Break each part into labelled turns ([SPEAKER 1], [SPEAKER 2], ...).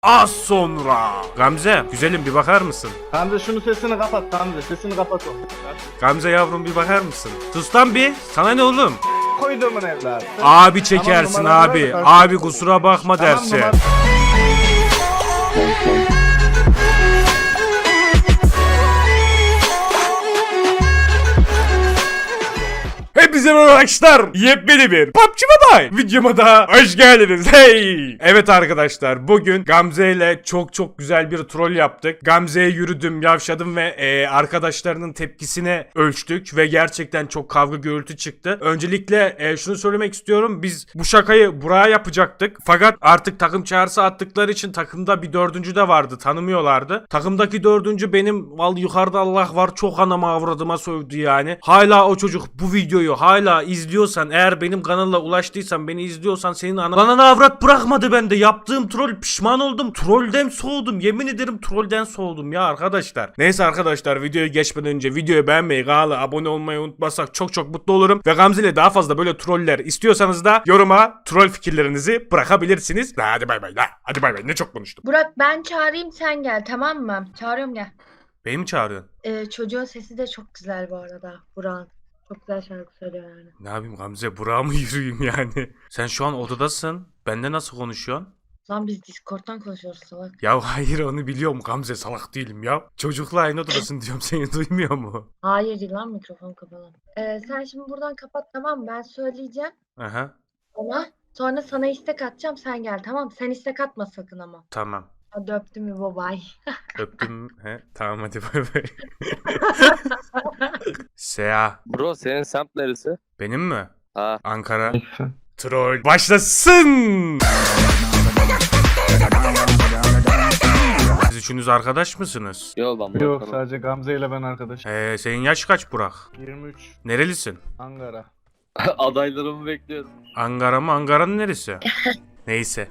[SPEAKER 1] az sonra. Gamze güzelim bir bakar mısın?
[SPEAKER 2] Gamze şunu sesini kapat Gamze. Sesini kapat o.
[SPEAKER 1] Gamze yavrum bir bakar mısın? Sus lan bir. Sana ne oğlum?
[SPEAKER 2] Koyduğumun evladı.
[SPEAKER 1] Abi çekersin
[SPEAKER 2] Tamam, numaraları
[SPEAKER 1] abi.
[SPEAKER 2] ver.
[SPEAKER 1] Abi kusura bakma
[SPEAKER 2] Tamam,
[SPEAKER 1] derse. Hepinize merhaba arkadaşlar. Yepyeni bir PUBG Mobile videoma da hoş geldiniz. Hey. Evet arkadaşlar, bugün Gamze ile çok güzel bir troll yaptık. Gamze'ye yürüdüm, yavşadım ve arkadaşlarının tepkisine ölçtük ve gerçekten çok kavga gürültü çıktı. Öncelikle şunu söylemek istiyorum. Biz bu şakayı buraya yapacaktık. Fakat artık takım çağrısı attıkları için takımda bir dördüncü de vardı. Tanımıyorlardı. Takımdaki dördüncü benim vallahi yukarıda Allah var çok anama avradıma sövdü yani. Hala o çocuk bu videoyu hala izliyorsan, eğer benim kanala ulaştıysan, beni izliyorsan, senin ananı avrat bırakmadı bende. Yaptığım troll, pişman oldum. Trollden soğudum. Yemin ederim trollden soğudum ya arkadaşlar. Neyse arkadaşlar, videoya geçmeden önce videoyu beğenmeyi, kanala abone olmayı unutmasak çok mutlu olurum. Ve Gamze ile daha fazla böyle troller istiyorsanız da yoruma troll fikirlerinizi bırakabilirsiniz. Hadi bay bay. Hadi bay bay. Ne çok konuştum.
[SPEAKER 3] Burak, ben çağırayım, sen gel, tamam mı? Çağırıyorum, gel.
[SPEAKER 1] Beni mi çağırıyorsun?
[SPEAKER 3] Çocuğun sesi de çok güzel bu arada, Burak'ın. Çok güzel şarkı söylüyor yani.
[SPEAKER 1] Ne yapayım Gamze, buraya mı yürüyeyim yani? Sen şu an odadasın. Bende nasıl konuşuyorsun?
[SPEAKER 3] Lan biz Discord'dan konuşuyoruz salak.
[SPEAKER 1] Ya hayır, onu biliyorum Gamze, salak değilim ya. Çocukla aynı odadasın diyorum, seni duymuyor mu?
[SPEAKER 3] Hayır değil lan, mikrofon kapalı. Sen şimdi buradan kapat, tamam mı? Ben söyleyeceğim
[SPEAKER 1] Aha,
[SPEAKER 3] ona. Sonra sana istek atacağım, sen gel, tamam mı? Sen istek atma sakın ama.
[SPEAKER 1] tamam.
[SPEAKER 3] Hadi öptüm mü babay.
[SPEAKER 1] Öptüm. He, tamam hadi bay bay. Sea.
[SPEAKER 4] Bro senin semt neresi?
[SPEAKER 1] Benim mi?
[SPEAKER 4] Ha.
[SPEAKER 1] Ankara. Troll başlasın. Siz üçünüz arkadaş mısınız?
[SPEAKER 4] Yok lan
[SPEAKER 2] Yok
[SPEAKER 4] bakalım.
[SPEAKER 2] sadece Gamze ile ben arkadaş.
[SPEAKER 1] Senin yaş kaç Burak?
[SPEAKER 2] 23
[SPEAKER 1] Nerelisin?
[SPEAKER 2] Ankara.
[SPEAKER 4] Adaylarımı bekliyorum.
[SPEAKER 1] Ankara mı? Ankara'nın neresi? Neyse.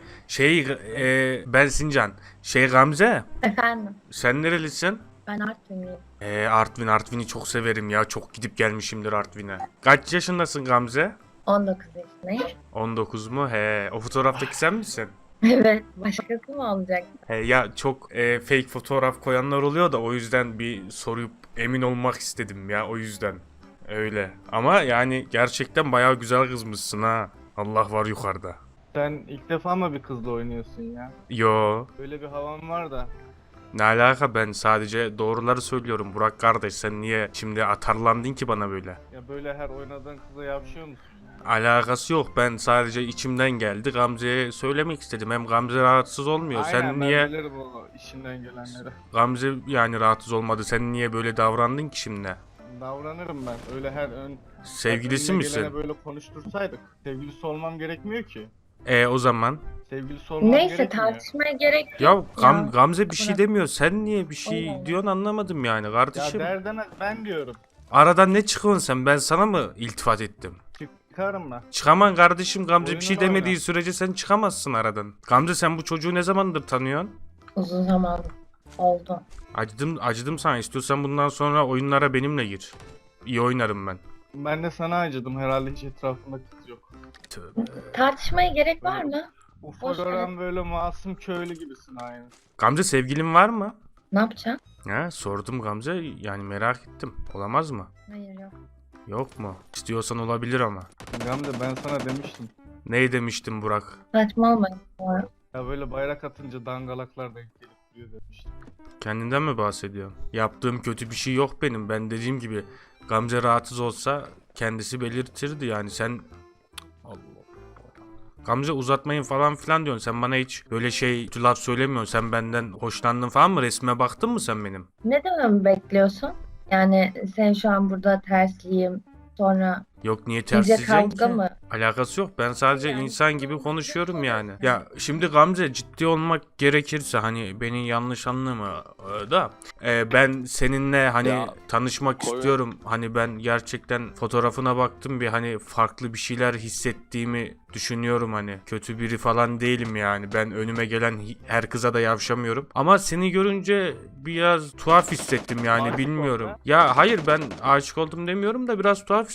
[SPEAKER 1] Ben Sincan. Gamze.
[SPEAKER 3] Efendim,
[SPEAKER 1] Sen nerelisin?
[SPEAKER 3] ben Artvinliyim.
[SPEAKER 1] Artvin'i çok severim ya. Çok gidip gelmişimdir Artvin'e. Kaç yaşındasın Gamze?
[SPEAKER 3] 19 yaşındayım.
[SPEAKER 1] 19 mu? O fotoğraftaki sen misin?
[SPEAKER 3] Evet, başkası mı olacak?
[SPEAKER 1] Ya çok fake fotoğraf koyanlar oluyor da o yüzden bir sorup emin olmak istedim ya, o yüzden. Öyle. Ama yani gerçekten bayağı güzel kızmışsın ha. Allah var yukarıda.
[SPEAKER 2] Sen ilk defa mı bir kızla oynuyorsun ya?
[SPEAKER 1] Yo.
[SPEAKER 2] Böyle bir havan var da.
[SPEAKER 1] Ne alaka, ben sadece doğruları söylüyorum Burak kardeş, sen niye şimdi atarlandın ki bana böyle?
[SPEAKER 2] Ya böyle her oynadığın kıza yapışıyor musun?
[SPEAKER 1] Alakası yok, ben sadece içimden geldi, Gamze'ye söylemek istedim, hem Gamze rahatsız olmuyor.
[SPEAKER 2] Aynen,
[SPEAKER 1] Sen
[SPEAKER 2] ben
[SPEAKER 1] niye
[SPEAKER 2] bilirim o işinden gelenleri.
[SPEAKER 1] Gamze yani rahatsız olmadı, sen niye böyle davrandın ki şimdi?
[SPEAKER 2] Davranırım ben. Öyle her
[SPEAKER 1] Sevgilisi
[SPEAKER 2] önüne
[SPEAKER 1] misin?
[SPEAKER 2] gelene böyle konuştursaydık. Sevgilisi olmam gerekmiyor ki.
[SPEAKER 1] O zaman
[SPEAKER 2] Sevgilisi olmam
[SPEAKER 3] Neyse,
[SPEAKER 2] gerekmiyor.
[SPEAKER 3] tartışmaya gerek yok.
[SPEAKER 1] ya
[SPEAKER 3] Ya.
[SPEAKER 1] Gamze bir şey
[SPEAKER 3] Bırak.
[SPEAKER 1] demiyor, sen niye bir şey
[SPEAKER 3] Allah Allah.
[SPEAKER 1] diyorsun anlamadım yani
[SPEAKER 2] Ya
[SPEAKER 1] kardeşim.
[SPEAKER 2] derdene ben diyorum.
[SPEAKER 1] Aradan ne çıkıyorsun sen, ben sana mı iltifat ettim?
[SPEAKER 2] Çıkarım ben.
[SPEAKER 1] Çıkaman kardeşim, Gamze bir şey
[SPEAKER 2] Oyununu
[SPEAKER 1] demediği
[SPEAKER 2] oyna.
[SPEAKER 1] sürece sen çıkamazsın aradan. Gamze, sen bu çocuğu ne zamandır tanıyorsun?
[SPEAKER 3] Uzun zaman oldu.
[SPEAKER 1] Acıdım sana, istiyorsan bundan sonra oyunlara benimle gir. İyi oynarım ben.
[SPEAKER 2] Ben de sana acıdım, herhalde hiç etrafında kız yok.
[SPEAKER 1] Tövbe.
[SPEAKER 3] Tartışmaya gerek var mı?
[SPEAKER 2] Ufa
[SPEAKER 3] Boş ver.
[SPEAKER 2] gören böyle masum köylü gibisin aynı.
[SPEAKER 1] Gamze, sevgilin var mı?
[SPEAKER 3] Ne yapacaksın?
[SPEAKER 1] Sordum Gamze, yani merak ettim. Olamaz mı?
[SPEAKER 3] Hayır, yok.
[SPEAKER 1] Yok mu? İstiyorsan olabilir ama.
[SPEAKER 2] Gamze ben sana demiştim.
[SPEAKER 1] Ne demiştim Burak?
[SPEAKER 3] Saçmalamayın. Sonra.
[SPEAKER 2] Ya böyle bayrak atınca dangalaklar denk gelip duruyor demiştim.
[SPEAKER 1] Kendinden mi bahsediyorsun? Yaptığım kötü bir şey yok benim. Ben dediğim gibi Gamze rahatsız olsa kendisi belirtirdi yani. Sen Allah Allah. Gamze uzatmayın falan filan diyorsun. Sen bana hiç böyle laf söylemiyorsun. Sen benden hoşlandın falan mı? Resme baktın mı sen benim?
[SPEAKER 3] Ne dememi bekliyorsun? Yani sen şu an burada tersliyim. Sonra
[SPEAKER 1] Yok, niye
[SPEAKER 3] iyice
[SPEAKER 1] tersleyeceksin
[SPEAKER 3] kavga
[SPEAKER 1] ki?
[SPEAKER 3] mı?
[SPEAKER 1] Alakası yok. Ben sadece
[SPEAKER 3] Yani
[SPEAKER 1] insan gibi konuşuyorum yani. Ya şimdi Gamze, ciddi olmak gerekirse hani beni yanlış anlama da ben seninle hani
[SPEAKER 4] Ya,
[SPEAKER 1] tanışmak
[SPEAKER 4] koy-
[SPEAKER 1] istiyorum. Hani ben gerçekten fotoğrafına baktım, bir hani farklı bir şeyler hissettiğimi düşünüyorum hani. Kötü biri falan değilim yani. Ben önüme gelen her kıza da yavşamıyorum. Ama seni görünce biraz tuhaf hissettim yani,
[SPEAKER 2] Aşık
[SPEAKER 1] bilmiyorum.
[SPEAKER 2] oldun ha?
[SPEAKER 1] Ya hayır, ben aşık oldum demiyorum da biraz tuhaf hissettim.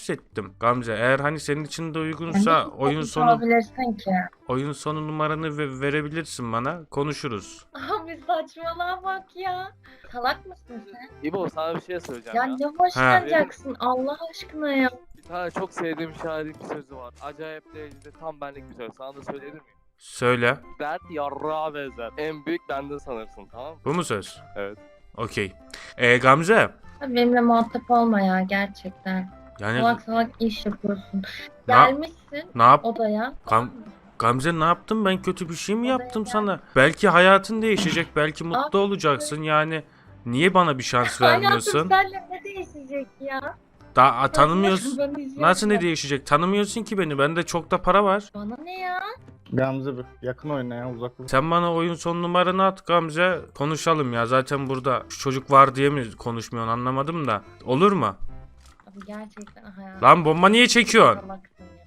[SPEAKER 1] isterim. Gamze eğer hani senin için de
[SPEAKER 3] Sen
[SPEAKER 1] uygunsa
[SPEAKER 3] nasıl
[SPEAKER 1] oyun
[SPEAKER 3] konuşmuş
[SPEAKER 1] sonu
[SPEAKER 3] olabilirsin ki?
[SPEAKER 1] oyun sonu numaranı verebilirsin bana. Konuşuruz.
[SPEAKER 3] Abi saçmalığa bak ya. Salak mısın sen?
[SPEAKER 4] İbo sana bir şey söyleyeceğim
[SPEAKER 3] Ya
[SPEAKER 4] ya.
[SPEAKER 3] ne hoşlanacaksın Allah aşkına ya.
[SPEAKER 4] Bir tane çok sevdiğim şairin bir sözü var. Acayip derecede tam benlik bir söz. Sana da söyleyebilir miyim?
[SPEAKER 1] Söyle.
[SPEAKER 4] Dert yarrağa benzer. En büyük bende sanırsın, tamam mı?
[SPEAKER 1] Bu mu söz?
[SPEAKER 4] Evet.
[SPEAKER 1] Okey. Gamze.
[SPEAKER 3] Abi benimle muhatap olma ya gerçekten.
[SPEAKER 1] Yani
[SPEAKER 3] Salak salak iş yapıyorsun.
[SPEAKER 1] Ne yap-
[SPEAKER 3] Gelmişsin
[SPEAKER 1] ne yap?
[SPEAKER 3] odaya.
[SPEAKER 1] Gamze ne yaptım ben, kötü bir şey mi
[SPEAKER 3] Odaya
[SPEAKER 1] yaptım
[SPEAKER 3] gel.
[SPEAKER 1] sana? Belki hayatın değişecek, belki mutlu
[SPEAKER 3] Abi-
[SPEAKER 1] olacaksın yani. Niye bana bir şans
[SPEAKER 3] Hayatım
[SPEAKER 1] vermiyorsun?
[SPEAKER 3] seninle ne değişecek ya?
[SPEAKER 1] Daha tanımıyorsun.
[SPEAKER 3] Ben izliyorum
[SPEAKER 1] Nasıl ne
[SPEAKER 3] ya.
[SPEAKER 1] değişecek? Tanımıyorsun ki beni. Bende çok da para var.
[SPEAKER 3] Bana ne ya?
[SPEAKER 2] Gamze bir yakın oyna ya, uzak dur.
[SPEAKER 1] Sen bana oyun son numaranı at Gamze. Konuşalım ya. Zaten burada şu çocuk var diye mi konuşmuyorsun anlamadım da. Olur mu?
[SPEAKER 3] Abi gerçekten hayatım.
[SPEAKER 1] Lan bomba niye çekiyorsun?
[SPEAKER 3] Salaksın ya.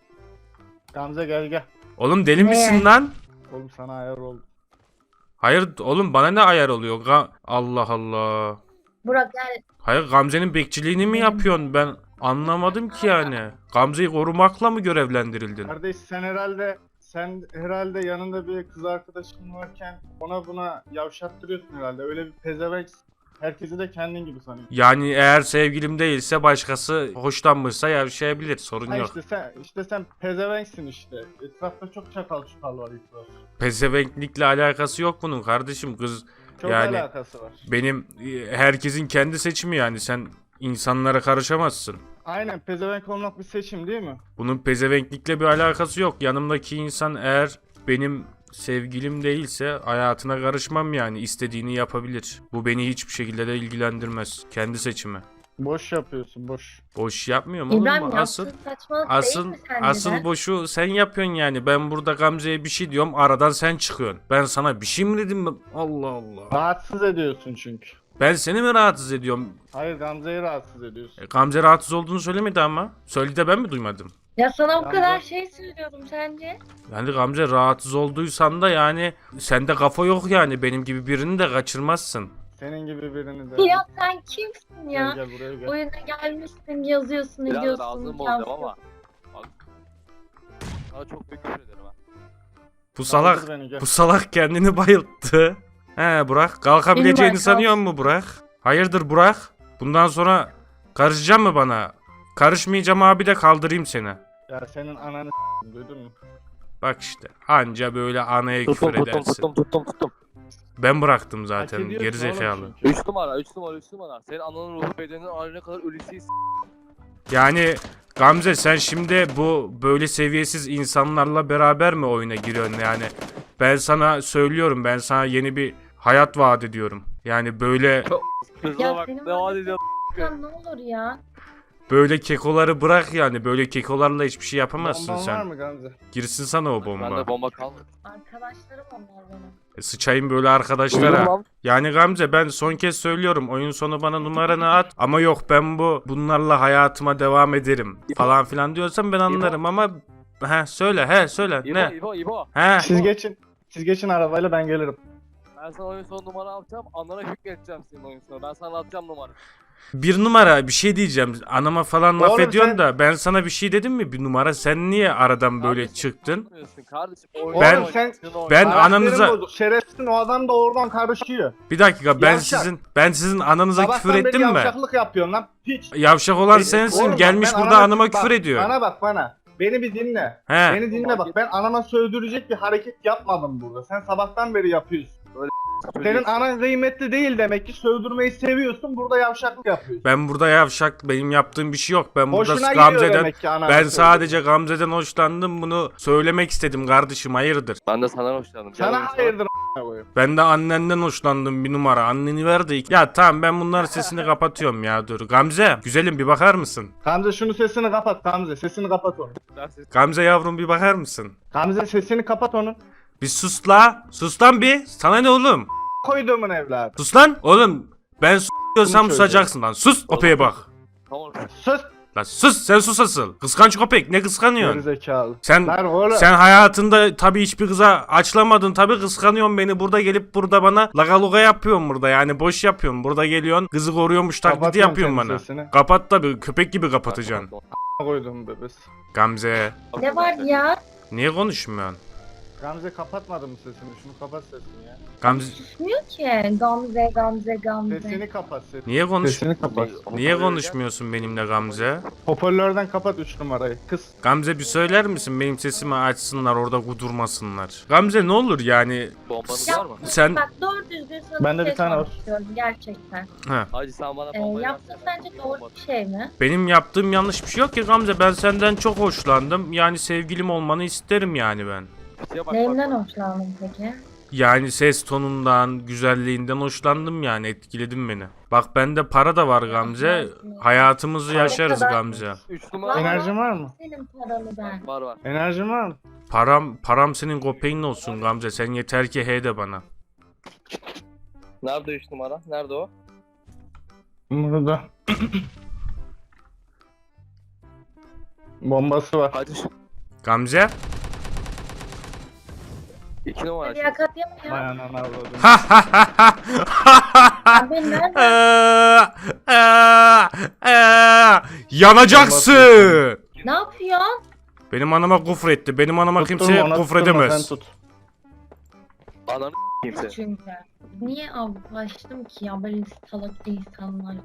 [SPEAKER 2] Gamze gel.
[SPEAKER 1] Oğlum deli
[SPEAKER 3] Ne?
[SPEAKER 1] misin lan?
[SPEAKER 2] Oğlum sana ayar oldu.
[SPEAKER 1] Hayır oğlum bana ne ayar oluyor? Allah Allah.
[SPEAKER 3] Burak gel.
[SPEAKER 1] Hayır Gamze'nin bekçiliğini mi yapıyorsun? Ben anlamadım ki yani. Gamze'yi korumakla mı görevlendirildin?
[SPEAKER 2] Kardeş sen herhalde yanında bir kız arkadaşın varken ona buna yavşattırıyorsun herhalde. Öyle bir pezevenk, herkesi de kendin gibi sanıyorsun.
[SPEAKER 1] Yani eğer sevgilim değilse başkası hoşlanmışsa yavşayabilir. Sorun
[SPEAKER 2] Ha
[SPEAKER 1] yok.
[SPEAKER 2] işte sen pezevenksin işte. Etrafta çok çakal var etrafta.
[SPEAKER 1] Pezevenklikle alakası yok bunun kardeşim. Kız
[SPEAKER 2] Çok
[SPEAKER 1] yani
[SPEAKER 2] alakası var.
[SPEAKER 1] benim herkesin kendi seçimi yani. Sen insanlara karışamazsın.
[SPEAKER 2] Aynen, pezevenk olmak bir seçim değil mi?
[SPEAKER 1] Bunun pezevenklikle bir alakası yok. Yanımdaki insan eğer benim sevgilim değilse hayatına karışmam yani. İstediğini yapabilir. Bu beni hiçbir şekilde de ilgilendirmez. Kendi seçimi.
[SPEAKER 2] Boş yapıyorsun, boş.
[SPEAKER 1] Boş yapmıyorum oğlum.
[SPEAKER 3] İbrahim
[SPEAKER 1] Asıl
[SPEAKER 3] yaptığın saçmalık değil
[SPEAKER 1] Asıl
[SPEAKER 3] mi sence
[SPEAKER 1] asıl
[SPEAKER 3] de?
[SPEAKER 1] boşu sen yapıyorsun yani. Ben burada Gamze'ye bir şey diyorum, aradan sen çıkıyorsun. Ben sana bir şey mi dedim? Allah Allah.
[SPEAKER 2] Rahatsız ediyorsun çünkü.
[SPEAKER 1] Ben seni mi rahatsız ediyorum?
[SPEAKER 2] Hayır, Gamze'yi rahatsız ediyorsun.
[SPEAKER 1] Gamze rahatsız olduğunu söylemedi ama. Söyledi de ben mi duymadım?
[SPEAKER 3] Ya sana bu
[SPEAKER 2] Gamze-
[SPEAKER 3] kadar şey söylüyorum sence?
[SPEAKER 1] Yani Gamze rahatsız olduysan da yani sende kafa yok yani. Benim gibi birini de kaçırmazsın.
[SPEAKER 2] Senin gibi birini de.
[SPEAKER 3] Ya sen kimsin ya?
[SPEAKER 2] Gel buraya gel.
[SPEAKER 3] Oyuna gelmişsin, yazıyorsun,
[SPEAKER 4] Biraz
[SPEAKER 3] ediyorsun.
[SPEAKER 4] ağzını bozacağım ama. Bak. Sana çok büyük küfür ederim ha.
[SPEAKER 1] Bu salak
[SPEAKER 2] Kaldır beni, gel.
[SPEAKER 1] bu salak kendini bayılttı. He Burak, kalkabileceğini
[SPEAKER 3] Benim
[SPEAKER 1] sanıyor mu Burak? Hayırdır Burak? Bundan sonra karışacak mı bana? Karışmayacağım abi de kaldırayım seni.
[SPEAKER 2] Ya senin ananı duydun mu?
[SPEAKER 1] Bak işte anca böyle anaya
[SPEAKER 4] Tuttum
[SPEAKER 1] küfür edersin.
[SPEAKER 4] tuttum.
[SPEAKER 1] Ben bıraktım
[SPEAKER 2] Hak
[SPEAKER 1] zaten
[SPEAKER 2] ediyorsun
[SPEAKER 1] gerizekalı.
[SPEAKER 2] oğlum çünkü.
[SPEAKER 4] 3 numara. Senin ananın ruhu bedenin ayrına kadar ölüsüyüz.
[SPEAKER 1] Yani Gamze sen şimdi bu böyle seviyesiz insanlarla beraber mi oyuna giriyorsun yani? Ben sana söylüyorum, ben sana yeni bir hayat vaat ediyorum. Yani böyle
[SPEAKER 4] Kızına
[SPEAKER 3] Ya
[SPEAKER 4] bak
[SPEAKER 3] senin
[SPEAKER 4] ne
[SPEAKER 3] var
[SPEAKER 4] vaat
[SPEAKER 3] ya-
[SPEAKER 4] ediyor.
[SPEAKER 3] Sen ne olur ya?
[SPEAKER 1] böyle kekoları bırak yani. Böyle kekolarla hiçbir şey yapamazsın
[SPEAKER 2] Bomban var
[SPEAKER 1] sen.
[SPEAKER 2] mı Gamze?
[SPEAKER 1] Girsin sana o
[SPEAKER 4] Bende
[SPEAKER 1] bomba.
[SPEAKER 4] bomba kalmadı.
[SPEAKER 3] Arkadaşlarım onlar benim.
[SPEAKER 1] Sıçayım böyle
[SPEAKER 4] Duydun
[SPEAKER 1] arkadaşlara.
[SPEAKER 4] lan.
[SPEAKER 1] Yani Gamze ben son kez söylüyorum, oyun sonu bana numaranı at ama yok ben bunlarla hayatıma devam ederim falan filan diyorsan ben anlarım ama söyle ne?
[SPEAKER 4] İbo.
[SPEAKER 1] He
[SPEAKER 2] Siz geçin arabayla, ben gelirim.
[SPEAKER 4] Ben sana oyun sonu numara atacağım. Anana hükmedeceğim senin oyun sonu. Ben sana atacağım numara.
[SPEAKER 1] bir numara bir şey diyeceğim, anama falan laf
[SPEAKER 2] Oğlum
[SPEAKER 1] ediyorsun
[SPEAKER 2] sen-
[SPEAKER 1] da ben sana bir şey dedim mi bir numara, sen niye aradan böyle
[SPEAKER 4] Kardeşim,
[SPEAKER 1] çıktın?
[SPEAKER 4] anlamıyorsun Kardeşim,
[SPEAKER 2] Oğlum
[SPEAKER 4] oyunu
[SPEAKER 2] sen-
[SPEAKER 4] oynarsın, oyunu.
[SPEAKER 1] Ben
[SPEAKER 2] Karakterin
[SPEAKER 1] ananıza
[SPEAKER 2] bozuk. Şerefsizin, o adam da oradan karışıyor.
[SPEAKER 1] bir dakika ben
[SPEAKER 2] Yavşak.
[SPEAKER 1] sizin ananıza
[SPEAKER 2] Sabahtan
[SPEAKER 1] küfür
[SPEAKER 2] beri
[SPEAKER 1] ettim mi?
[SPEAKER 2] yavşaklık yapıyorsun lan. Hiç.
[SPEAKER 1] Yavşak olan sensin,
[SPEAKER 2] Oğlum bak,
[SPEAKER 1] gelmiş
[SPEAKER 2] ben
[SPEAKER 1] burada anama küfür
[SPEAKER 2] bak,
[SPEAKER 1] ediyor.
[SPEAKER 2] Bana bak bana. Beni bir dinle.
[SPEAKER 1] He.
[SPEAKER 2] Beni dinle bak. Ben anama sövdürecek bir hareket yapmadım burada. Sen sabahtan beri yapıyorsun. Senin anan kıymetli değil demek ki, sövdürmeyi seviyorsun, burada yavşaklık yapıyorsun.
[SPEAKER 1] Ben burada yavşak, benim yaptığım bir şey yok. Ben burada
[SPEAKER 2] Hoşuna gidiyor
[SPEAKER 1] Gamze'den
[SPEAKER 2] demek ki ananı
[SPEAKER 1] ben
[SPEAKER 2] sövdürmek.
[SPEAKER 1] sadece Gamze'den hoşlandım, bunu söylemek istedim kardeşim, hayırdır?
[SPEAKER 4] Ben de senden hoşlandım. Gel oyun
[SPEAKER 2] Sana
[SPEAKER 4] sonu.
[SPEAKER 2] hayırdır a**ına koyayım.
[SPEAKER 1] Ben de annenden hoşlandım bir numara. Anneni ver de. Ya tamam ben bunların sesini kapatıyorum ya, dur. Gamze güzelim bir bakar mısın?
[SPEAKER 2] Gamze şunu sesini kapat Gamze. Sesini kapat onu.
[SPEAKER 1] Gamze yavrum bir bakar mısın?
[SPEAKER 2] Gamze sesini kapat onu.
[SPEAKER 1] Bir sus la. Sus lan bir. Sana ne oğlum?
[SPEAKER 2] Koyduğumun evladı.
[SPEAKER 1] Sus lan. Oğlum ben diyorsam
[SPEAKER 2] Bunu
[SPEAKER 1] susacaksın lan. Sus. Opeye bak.
[SPEAKER 4] Tamam.
[SPEAKER 2] Sus.
[SPEAKER 1] Lan sus, sen sus asıl. Kıskanç köpek, ne kıskanıyorsun?
[SPEAKER 2] Gerizekalı.
[SPEAKER 1] Sen
[SPEAKER 2] Lan oğlum.
[SPEAKER 1] sen hayatında tabii hiçbir kıza açlamadın, tabii kıskanıyorsun beni. Burada gelip burada bana lagaluga yapıyorsun burada, yani boş yapıyorsun. Burada geliyorsun kızı koruyormuş taklidi
[SPEAKER 2] Kapatıyorum
[SPEAKER 1] yapıyorsun
[SPEAKER 2] senin
[SPEAKER 1] bana.
[SPEAKER 2] sesini.
[SPEAKER 1] Kapat tabii, köpek gibi kapatacaksın.
[SPEAKER 2] Koydum bebes.
[SPEAKER 1] Gamze,
[SPEAKER 3] Ne var ya?
[SPEAKER 1] niye konuşmuyorsun?
[SPEAKER 2] Gamze kapatmadı mı sesini? Şunu kapat sesini ya.
[SPEAKER 1] Gamze,
[SPEAKER 3] Susmuyor ki. Gamze, Gamze, Gamze.
[SPEAKER 2] Sesini kapat sesini.
[SPEAKER 1] niye konuş?
[SPEAKER 2] Sesini kapat.
[SPEAKER 1] Niye konuşmuyorsun benimle Gamze?
[SPEAKER 2] Hoparlörden kapat 3 numarayı. Kız.
[SPEAKER 1] Gamze bir söyler misin, benim sesimi açsınlar, orada kudurmasınlar. Gamze ne olur yani,
[SPEAKER 4] Bombanız
[SPEAKER 3] Ya,
[SPEAKER 4] var mı?
[SPEAKER 1] sen
[SPEAKER 3] Bak doğru düzgün sana
[SPEAKER 2] Bende
[SPEAKER 3] bir şey
[SPEAKER 2] bir tane var.
[SPEAKER 3] sormak istiyorum gerçekten.
[SPEAKER 4] Hacı sen bana bombayı
[SPEAKER 3] Yaptığın
[SPEAKER 4] versene.
[SPEAKER 3] sence doğru bir şey mi?
[SPEAKER 1] benim yaptığım yanlış bir şey yok ki Gamze, ben senden çok hoşlandım. Yani sevgilim olmanı isterim yani ben.
[SPEAKER 4] Şeye bak,
[SPEAKER 3] Neyimden
[SPEAKER 4] bak, bak.
[SPEAKER 3] hoşlandın peki?
[SPEAKER 1] Yani ses tonundan, güzelliğinden hoşlandım yani, etkiledin beni. Bak bende para da var Gamze. Hayatımızı yaşarız
[SPEAKER 3] kadar-
[SPEAKER 1] Gamze.
[SPEAKER 4] 3 numara
[SPEAKER 2] Enerjin var mı?
[SPEAKER 3] Senin paralı ben.
[SPEAKER 4] var.
[SPEAKER 2] Enerjin var mı?
[SPEAKER 1] Param senin köpeğin olsun Gamze. Sen yeter ki he de bana.
[SPEAKER 4] Nerede 3 numara? Nerede o?
[SPEAKER 2] Burada. Bombası var.
[SPEAKER 4] Hacı
[SPEAKER 1] Gamze.
[SPEAKER 4] 2 numara.
[SPEAKER 3] Liyakat yapma ya.
[SPEAKER 2] Bayan ana avladım.
[SPEAKER 3] Abi nerede?
[SPEAKER 1] Yanacaksın.
[SPEAKER 3] Ne yapıyorsun?
[SPEAKER 1] Benim anama küfretti. Benim anama
[SPEAKER 2] Tutturma,
[SPEAKER 1] kimse
[SPEAKER 2] ona
[SPEAKER 1] küfredemez.
[SPEAKER 2] tutturma, sen tut.
[SPEAKER 4] Ananı kimse.
[SPEAKER 3] Çünkü. Niye avlaştım ki ya böyle salak insanlar?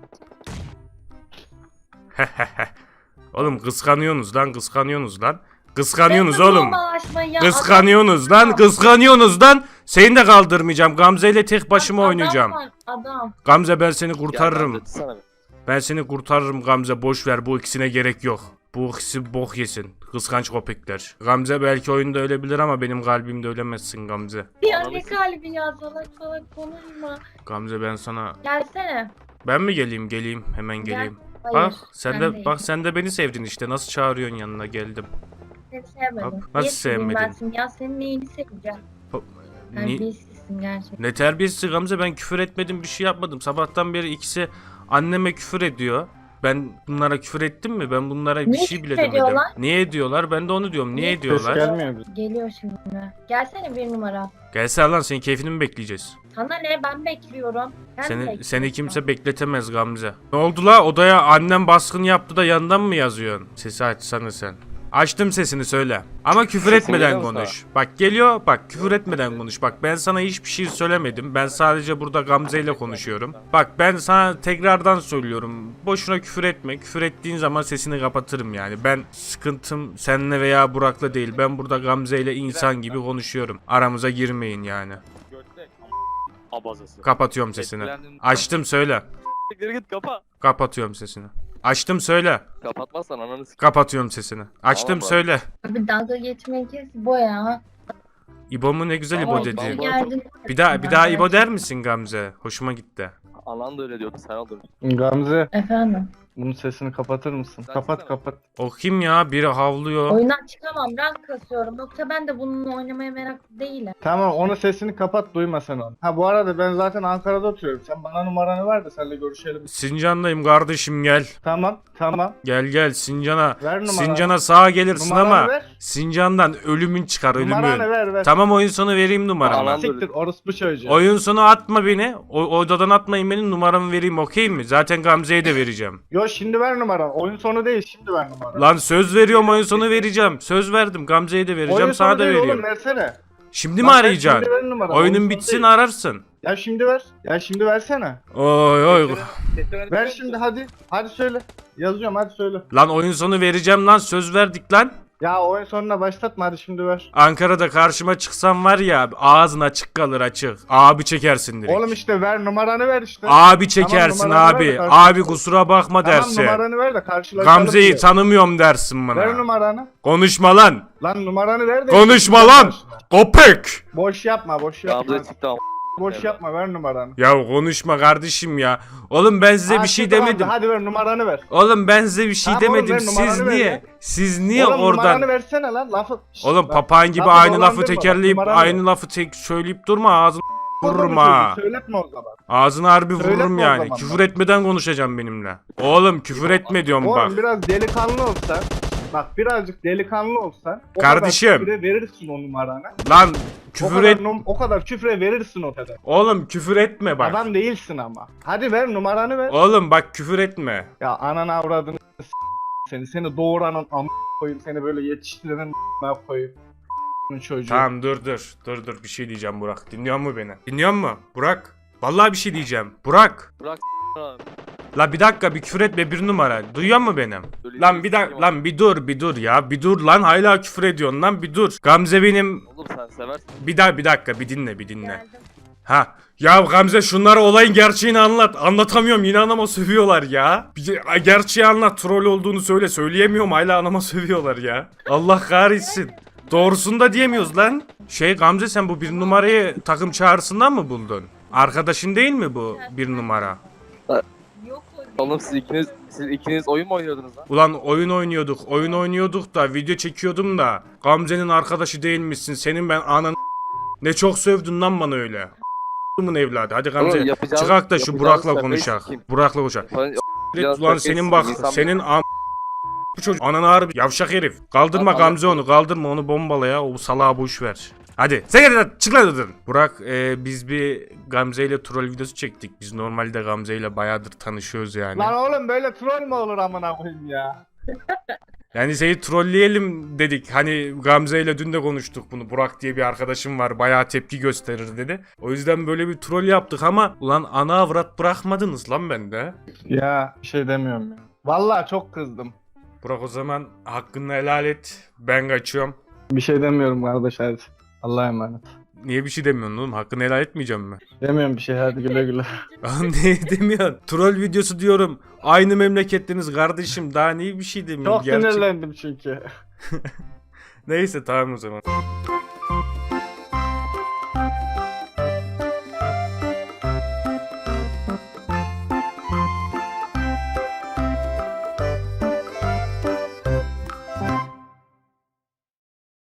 [SPEAKER 1] Oğlum kıskanıyorsunuz lan, kıskanıyorsunuz lan. Kıskanıyorsunuz
[SPEAKER 3] Sen de
[SPEAKER 1] oğlum.
[SPEAKER 3] bombalaşma ya.
[SPEAKER 1] Kıskanıyorsunuz lan, kıskanıyorsunuz lan. Seni de kaldırmayacağım. Gamze ile tek başıma oynayacağım.
[SPEAKER 3] Adam var, adam.
[SPEAKER 1] Gamze ben seni kurtarırım.
[SPEAKER 4] Gel, sana bir.
[SPEAKER 1] Ben seni kurtarırım Gamze, boş ver, bu ikisine gerek yok. Bu ikisi bok yesin. Kıskanç köpekler. Gamze belki oyunda ölebilir ama benim kalbimde ölemezsin Gamze.
[SPEAKER 3] Ya
[SPEAKER 4] Ananı
[SPEAKER 3] ne
[SPEAKER 4] s-
[SPEAKER 3] kalbi ya salak salak konuşma.
[SPEAKER 1] Gamze ben sana...
[SPEAKER 3] Gelsene.
[SPEAKER 1] Ben mi geleyim? Geleyim. Hemen geleyim.
[SPEAKER 3] Hayır.
[SPEAKER 1] Bak sen
[SPEAKER 3] ben
[SPEAKER 1] de
[SPEAKER 3] değilim.
[SPEAKER 1] bak sen de beni sevdin işte. Nasıl çağırıyorsun yanına, geldim.
[SPEAKER 3] Seni sevmedim.
[SPEAKER 1] Bak, nasıl
[SPEAKER 3] Niye seveyim
[SPEAKER 1] sevmedin?
[SPEAKER 3] Ben seni ya senin neyini seveceğim?
[SPEAKER 1] Ni-
[SPEAKER 3] Terbiyesizsin gerçekten.
[SPEAKER 1] ne terbiyesi Gamze, ben küfür etmedim, bir şey yapmadım. Sabahtan beri ikisi anneme küfür ediyor. Ben bunlara küfür ettim mi? Ben bunlara bir
[SPEAKER 3] Niye
[SPEAKER 1] şey bile
[SPEAKER 3] küfür
[SPEAKER 1] demedim.
[SPEAKER 3] ediyorlar?
[SPEAKER 1] Niye ediyorlar? Ben de onu diyorum. Niye
[SPEAKER 3] Niye?
[SPEAKER 2] Ses
[SPEAKER 1] ediyorlar?
[SPEAKER 2] gelmiyor bize.
[SPEAKER 3] Geliyor şimdi. Gelsene bir numara.
[SPEAKER 1] Gelsene lan, senin keyfini mi bekleyeceğiz?
[SPEAKER 3] Sana ne ben bekliyorum. Ben
[SPEAKER 1] Seni
[SPEAKER 3] bekliyorum.
[SPEAKER 1] kimse bekletemez Gamze. Ne oldu la? Odaya annem baskın yaptı da yandan mı yazıyorsun? Sesi açsana sen. Açtım sesini, söyle. Ama küfür
[SPEAKER 2] Sesin
[SPEAKER 1] etmeden
[SPEAKER 2] geliyor mu
[SPEAKER 1] konuş. Bak geliyor, bak küfür etmeden konuş. Bak ben sana hiçbir şey söylemedim. Ben sadece burada Gamze ile konuşuyorum. Bak ben sana tekrardan söylüyorum. Boşuna küfür etme. Küfür ettiğin zaman sesini kapatırım yani. Ben sıkıntım seninle veya Burak'la değil. Ben burada Gamze ile insan gibi konuşuyorum. Aramıza girmeyin yani.
[SPEAKER 4] Götlek. Abazası.
[SPEAKER 1] Kapatıyorum sesini. Açtım, söyle.
[SPEAKER 4] Geri git kapa.
[SPEAKER 1] Kapatıyorum sesini. Açtım, söyle.
[SPEAKER 4] Kapatmazsan ananı s***.
[SPEAKER 1] Kapatıyorum sesini. Açtım,
[SPEAKER 4] Tamam,
[SPEAKER 1] söyle.
[SPEAKER 3] Abi dalga geçmeyi kes bu ya.
[SPEAKER 1] İbo mu, ne güzel
[SPEAKER 4] Tamam,
[SPEAKER 1] İbo dedi.
[SPEAKER 4] tamam.
[SPEAKER 3] Geldin.
[SPEAKER 1] Bir daha İbo der misin Gamze? Hoşuma gitti.
[SPEAKER 4] Anan da öyle diyordu sen oldun.
[SPEAKER 2] Gamze
[SPEAKER 3] Efendim.
[SPEAKER 2] bunun sesini kapatır mısın?
[SPEAKER 4] Sen
[SPEAKER 2] Kapat
[SPEAKER 4] çıksana.
[SPEAKER 2] kapat.
[SPEAKER 1] O kim ya? Biri havlıyor.
[SPEAKER 3] Oyundan çıkamam. Rank kasıyorum. Yoksa ben de bununla oynamaya meraklı değilim.
[SPEAKER 2] Tamam onun sesini kapat, duyma sen onu. Ha bu arada ben zaten Ankara'da oturuyorum. Sen bana numaranı ver de seninle görüşelim.
[SPEAKER 1] Sincan'dayım kardeşim, gel.
[SPEAKER 2] Tamam tamam.
[SPEAKER 1] Gel Sincan'a.
[SPEAKER 2] Ver numaranı.
[SPEAKER 1] Sincan'a sağa gelirsin
[SPEAKER 2] Numaranı
[SPEAKER 1] ama
[SPEAKER 2] ver.
[SPEAKER 1] Sincan'dan ölümün çıkar,
[SPEAKER 2] Numaranı
[SPEAKER 1] ölümün.
[SPEAKER 2] ver.
[SPEAKER 1] Tamam, oyun sonu vereyim numaramı.
[SPEAKER 4] Alan-
[SPEAKER 2] Siktir orospu çocuğu.
[SPEAKER 1] Oyun sonu atma beni. Odadan atmayın beni, numaramı vereyim, okey mi? Zaten Gamze'ye de vereceğim.
[SPEAKER 2] Yo şimdi ver numaranı. Oyun sonu değil, şimdi ver numaranı.
[SPEAKER 1] Lan söz veriyorum, oyun sonu vereceğim. Söz verdim, Gamze'ye de vereceğim,
[SPEAKER 2] Oyun
[SPEAKER 1] sana
[SPEAKER 2] sonu
[SPEAKER 1] da
[SPEAKER 2] değil
[SPEAKER 1] veriyorum.
[SPEAKER 2] oğlum, versene.
[SPEAKER 1] Şimdi mi
[SPEAKER 2] Bak,
[SPEAKER 1] arayacaksın?
[SPEAKER 2] Şimdi ver numaranı. Oyun
[SPEAKER 1] Oyunun
[SPEAKER 2] sonu
[SPEAKER 1] bitsin,
[SPEAKER 2] değil.
[SPEAKER 1] ararsın.
[SPEAKER 2] Ya şimdi ver. Ya şimdi versene.
[SPEAKER 1] Oy.
[SPEAKER 2] Ver şimdi hadi. Hadi söyle. Yazıyorum hadi söyle.
[SPEAKER 1] Lan oyun sonu vereceğim lan, söz verdik lan.
[SPEAKER 2] Ya oyun sonuna başlatma, hadi şimdi ver.
[SPEAKER 1] Ankara'da karşıma çıksam var ya, ağzın açık kalır, açık. Abi çekersin direkt.
[SPEAKER 2] Oğlum işte ver numaranı ver işte.
[SPEAKER 1] Abi çekersin
[SPEAKER 2] numaranı ver de
[SPEAKER 1] abi.
[SPEAKER 2] karşılaşalım.
[SPEAKER 1] Abi kusura bakma
[SPEAKER 2] Tamam
[SPEAKER 1] dersin.
[SPEAKER 2] numaranı ver de karşılaşalım.
[SPEAKER 1] Gamze'yi
[SPEAKER 2] diye.
[SPEAKER 1] tanımıyorum dersin
[SPEAKER 2] Ver
[SPEAKER 1] bana.
[SPEAKER 2] numaranı.
[SPEAKER 1] Konuşma lan.
[SPEAKER 2] Lan numaranı ver de.
[SPEAKER 1] Konuşma
[SPEAKER 2] Ver
[SPEAKER 1] lan.
[SPEAKER 2] karşına.
[SPEAKER 1] Köpek.
[SPEAKER 2] Boş yapma boş yapma.
[SPEAKER 4] Gamze çıktı ama.
[SPEAKER 2] Boş yapma, ver numaranı.
[SPEAKER 1] Ya konuşma kardeşim ya. Oğlum ben size bir şey
[SPEAKER 2] tamam,
[SPEAKER 1] demedim.
[SPEAKER 2] Hadi ver numaranı ver.
[SPEAKER 1] Oğlum ben size bir şey
[SPEAKER 2] Tamam oğlum,
[SPEAKER 1] demedim.
[SPEAKER 2] ver,
[SPEAKER 1] Siz
[SPEAKER 2] numaranı ver
[SPEAKER 1] niye?
[SPEAKER 2] ya.
[SPEAKER 1] Siz niye
[SPEAKER 2] Oğlum
[SPEAKER 1] oradan?
[SPEAKER 2] numaranı versene lan lafı. Şşt,
[SPEAKER 1] Oğlum
[SPEAKER 2] bak.
[SPEAKER 1] papağan gibi
[SPEAKER 2] Lafı
[SPEAKER 1] aynı lafı
[SPEAKER 2] dolandırma, bak,
[SPEAKER 1] tekerleyip
[SPEAKER 2] numaranı
[SPEAKER 1] aynı
[SPEAKER 2] ver.
[SPEAKER 1] lafı söyleyip durma, ağzını vururum
[SPEAKER 2] çocuğu,
[SPEAKER 1] ha.
[SPEAKER 2] Söyletme o zaman.
[SPEAKER 1] Ağzını harbi
[SPEAKER 2] Söyletme
[SPEAKER 1] vururum
[SPEAKER 2] o
[SPEAKER 1] yani.
[SPEAKER 2] zaman
[SPEAKER 1] Küfür
[SPEAKER 2] bak.
[SPEAKER 1] etmeden konuşacağım benimle. Oğlum küfür etme diyorum bak.
[SPEAKER 2] Oğlum biraz delikanlı olsan. Bak birazcık delikanlı olsan.
[SPEAKER 1] Kardeşim.
[SPEAKER 2] O kadar küfre verirsin o numaranı.
[SPEAKER 1] Lan küfür et.
[SPEAKER 2] O kadar küfre verirsin o kadar.
[SPEAKER 1] Oğlum küfür etme bak.
[SPEAKER 2] Adam değilsin ama. Hadi ver numaranı ver.
[SPEAKER 1] Oğlum bak küfür etme.
[SPEAKER 2] Ya ananı avradını seni doğuranın koyayım, seni böyle yetiştirenin koyayım. Çocuğu.
[SPEAKER 1] Tamam dur bir şey diyeceğim Burak. Dinliyor mu beni? Dinliyor mu Burak? Vallahi bir şey diyeceğim. Burak.
[SPEAKER 4] Bırak abi.
[SPEAKER 1] La bir dakika bir küfür etme bir numara. Duyuyor mu benim?
[SPEAKER 4] Öyle
[SPEAKER 1] Lan bir
[SPEAKER 4] şey
[SPEAKER 1] dakika
[SPEAKER 4] yok.
[SPEAKER 1] lan bir dur ya. Bir dur lan hala küfür ediyorsun lan bir dur. Gamze benim
[SPEAKER 4] Oğlum sen seversin.
[SPEAKER 1] bir dakika bir dinle.
[SPEAKER 3] Geldim.
[SPEAKER 1] Ha. Ya Gamze şunlara olayın gerçeğini anlat. Anlatamıyorum yine anama sövüyorlar ya. Gerçeği anlat. Troll olduğunu söyle. Söyleyemiyorum hala anama sövüyorlar ya. Allah kahretsin. Doğrusunu da diyemiyoruz lan. Gamze sen bu bir numarayı takım çağrısından mı buldun? Arkadaşın değil mi bu bir numara?
[SPEAKER 3] Yok o değil.
[SPEAKER 4] Oğlum siz ikiniz oyun mu oynuyordunuz lan?
[SPEAKER 1] Ulan oyun oynuyorduk da video çekiyordum da Gamze'nin arkadaşı değilmişsin. Senin ben anan ne çok sövdün lan bana öyle. Evladı. Hadi Gamze
[SPEAKER 4] Oğlum, yapacağınız-
[SPEAKER 1] çıkak da şu
[SPEAKER 4] yapacağınız
[SPEAKER 1] Burak'la
[SPEAKER 4] şakayı
[SPEAKER 1] konuşak.
[SPEAKER 4] sikeyim.
[SPEAKER 1] Burak'la konuşak.
[SPEAKER 4] Falan-
[SPEAKER 1] Ulan senin bak
[SPEAKER 4] İnsan-
[SPEAKER 1] senin bu çocuk ananı harbi yavşak herif. Kaldırma
[SPEAKER 4] Lan,
[SPEAKER 1] Gamze onu kaldırma onu bombala ya o salağı boş ver. Hadi sen hadi çık lan oradan. Burak biz bir Gamze ile troll videosu çektik. Biz normalde Gamze ile bayağıdır tanışıyoruz yani.
[SPEAKER 2] Lan oğlum böyle troll mü olur amına koyayım ya?
[SPEAKER 1] Yani seni trolleyelim dedik. Hani Gamze ile dün de konuştuk bunu. Burak diye bir arkadaşım var. Bayağı tepki gösterir dedi. O yüzden böyle bir troll yaptık ama ulan ana avrat bırakmadınız lan bende.
[SPEAKER 2] Ya bir şey demiyorum ya. Vallahi çok kızdım.
[SPEAKER 1] Burak o zaman hakkını helal et. Ben kaçıyorum.
[SPEAKER 2] Bir şey demiyorum kardeş hadi. Allah'a emanet.
[SPEAKER 1] Niye bir şey demiyorsun oğlum? Hakkını helal etmeyeceğim mi?
[SPEAKER 2] Demiyorum bir şey hadi güle güle.
[SPEAKER 1] Oğlum ne demiyorsun? Troll videosu diyorum. Aynı memlekettiniz kardeşim. Daha niye bir şey demiyorsun?
[SPEAKER 2] Çok sinirlendim çünkü.
[SPEAKER 1] Neyse tamam o zaman.